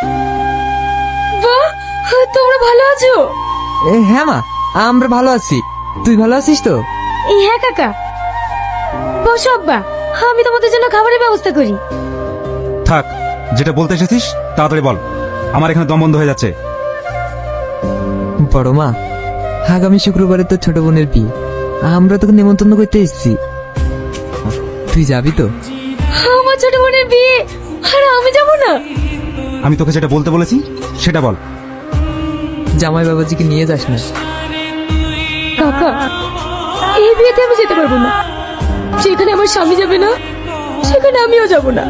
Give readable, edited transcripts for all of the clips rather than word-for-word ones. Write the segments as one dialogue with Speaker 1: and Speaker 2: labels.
Speaker 1: বাহ, তোমরা ভালো আছো?
Speaker 2: হ্যাঁ মা, আমরা ভালো আছি। তুই ভালো আছিস তো?
Speaker 1: হ্যাঁ কাকা। বসো আব্বা, আমি তোমাদের জন্য খাবারের ব্যবস্থা করি।
Speaker 3: থাক, যেটা বলতে এসেছিস তাড়াতাড়ি বল, আমার এখানে দম বন্ধ হয়ে যাচ্ছে।
Speaker 2: বড় মা, আগামী শুক্রবারে তোর ছোট বোনের বিয়ে, আমরা তোকে নেমন্তন্ন করতে এসেছি। তুই যাবি তো?
Speaker 1: আমার ছোট বোনের বিয়ে আর আমি যাব না?
Speaker 3: আমি তোকে যেটা বলতে বলেছি সেটা বল।
Speaker 2: জামাই বাবাজিকে নিয়ে যাস না।
Speaker 1: কাকা, এই বিয়েতে আমি যেতে পারবো না। যেখানে আমার স্বামী যাবে না সেখানে আমিও যাব না।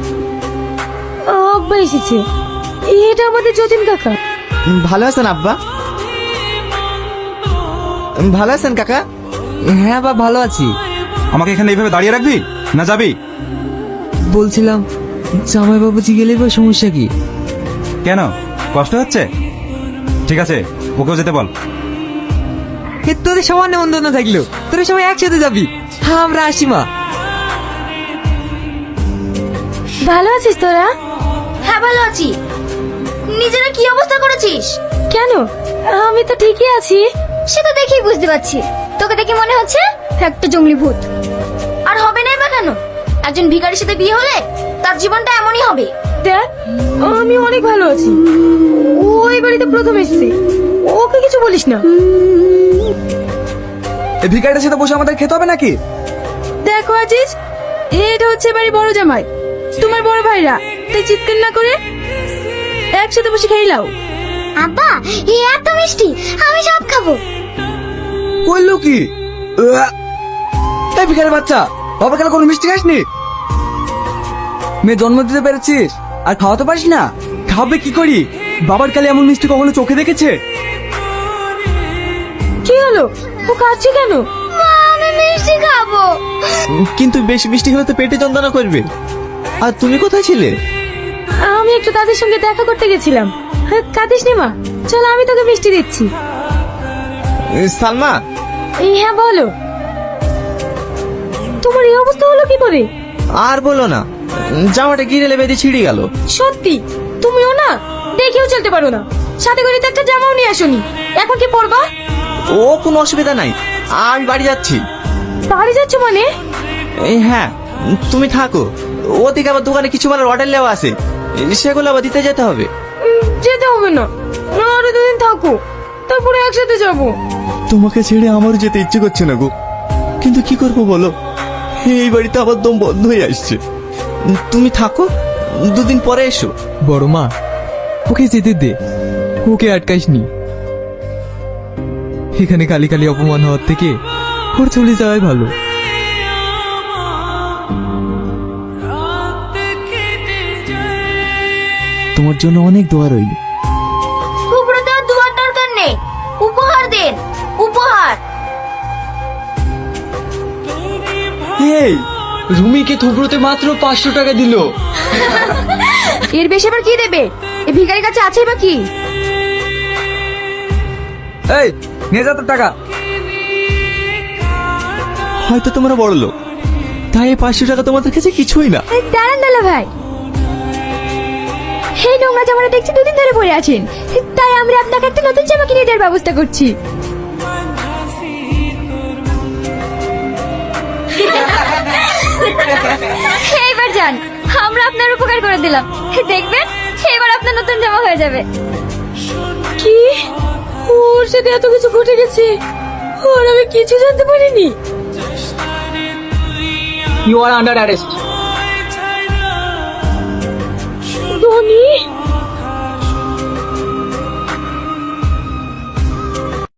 Speaker 1: আব্বা এসেছে, এটা আমাদের যতীন কাকা।
Speaker 4: ভালো আছেন আব্বা? ভালো আছেন কাকা?
Speaker 2: হ্যাঁ বা ভালো আছি।
Speaker 3: আমাকে এখানে এইভাবে দাঁড়িয়ে রাখবি না যাবি?
Speaker 2: বলছিলাম, জামাই বাবাজি গেলে বা সমস্যা কি?
Speaker 3: কেন, কষ্ট হচ্ছে? ঠিক আছে, ওকেও যেতে বল।
Speaker 2: তোদের সবার নেমন্তন্ন থাকলো, তোরা সবাই একসাথে যাবি। হ্যাঁ, আমরা আসি মা।
Speaker 1: ভালো আছিস তোরা?
Speaker 5: হ্যাঁ ভালো আছি। নিজেরা কি অবস্থা করেছিস?
Speaker 1: কেন, আমি তো ঠিকই আছি।
Speaker 5: সে তো দেখেই বুঝতে পারছি, তোকে দেখে মনে হচ্ছে একটা জঙ্গলি ভূত। আর হবে না বা কেন? একজন ভিখারির সাথে বিয়ে হলে তার জীবনটা এমনই হবে।
Speaker 1: দেখ, আমি অনেক ভালো আছি। ও এই বাড়িতে প্রথম এসেছে, ওকে কিছু বলিস না।
Speaker 4: এই ভিখারিটার সাথে বসে আমাদের খেতে হবে নাকি?
Speaker 1: দেখো আজিজ, এটা হচ্ছে বাড়ি বড় জামাই, তোমার বড় ভাইরা, তাই চিৎকার না করে একসাথে বসে খেয়ে নাও।
Speaker 5: আব্বা, এই এত মিষ্টি, আমি সব খাবো।
Speaker 4: কইলো কি? এই ভিখারির বাচ্চা, বাবা কেন কোনো মিষ্টি খাসনি? মেয়ে জন্ম দিতে পেরেছিস আর খাওয়াতে পারিস না? খাবে কি করি? বাবার কালে এমন মিষ্টি কখনো চোখে দেখেছে?
Speaker 1: কি হলো, ও কাঁদছে কেন?
Speaker 5: মা, আমি মিষ্টি খাবো।
Speaker 4: কিন্তু বেশি মিষ্টি খেলে তো পেটে যন্ত্রণা করবে। আর তুমি কোথায় ছিলে?
Speaker 1: আমি একটু তাদের সঙ্গে দেখা করতে গেছিলাম। কাঁদিস নি মা, চল আমি তোকে মিষ্টি দিচ্ছি।
Speaker 4: সালমা,
Speaker 1: হ্যাঁ বলো, তোমার এই অবস্থা হলো কি করে?
Speaker 4: আর বলো না, জামাটা গিরে বেঁধে ছিঁড়ে গেল।
Speaker 1: সত্যি তুমিও না দেখেও চলতে পারো না, সাথে করে তো একটা জামাও নিয়ে আসোনি, এখন কি পরবা?
Speaker 4: ও কোনো অসুবিধা নাই, আমি বাড়ি যাচ্ছি।
Speaker 1: বাড়ি যাচ্ছ মানে?
Speaker 4: হ্যাঁ, তুমি থাকো। ওদিকে আবার দোকানে কিছু মালের অর্ডার নেওয়া আছে, সেগুলো আবার দিতে যেতে হবে।
Speaker 1: যেতে হবে না, আরো দুদিন থাকো, তারপরে একসাথে যাবো।
Speaker 4: তোমাকে ছেড়ে আমারও যেতে ইচ্ছে করছে না গো, কিন্তু কি করবো বলো, এই বাড়িতে আবার দম বন্ধ হয়ে আসছে। তুমি থাকো, দুদিন পরে এসো।
Speaker 2: বড় মা, ওকে যেতে দে, ওকে আটকাইসনি। এখানে কালি কালি অপমান হওয়ার থেকে ওর চলে যাওয়াই ভালো।
Speaker 4: তোমার জন্য অনেক দোয়া রইল।
Speaker 5: উপরে আর দুয়ার দরকার নেই, উপহার দেন, উপহার।
Speaker 4: এই রুমিকে থুবড়োতে মাত্র 500 টাকা দিল।
Speaker 1: এর বেশি আবার কি দেবে? এই ভিখারির কাছে আছে বা কি?
Speaker 2: এই নিয়ে যা তোর টাকা।
Speaker 4: হয়তো তোমরা বড় লোক, তাই এই 500 টাকা তোমাদের কাছে কিছুই না।
Speaker 1: দাঁড়ান দালা ভাই, এই নোংরা জামাটা দেখছি দুদিন ধরে পরে আছেন, তাই আমরা আপনাকে একটা নতুন জামা কিনে দেওয়ার ব্যবস্থা করছি। এইবার যান, আমরা আপনার উপকার করে দিলাম, দেখবেন এবার আপনার নতুন জামা হয়ে যাবে। কি, ওর সাথে এত কিছু ঘটে গেছে আর আমি কিছু জানতে পারিনি?
Speaker 6: You are under arrest.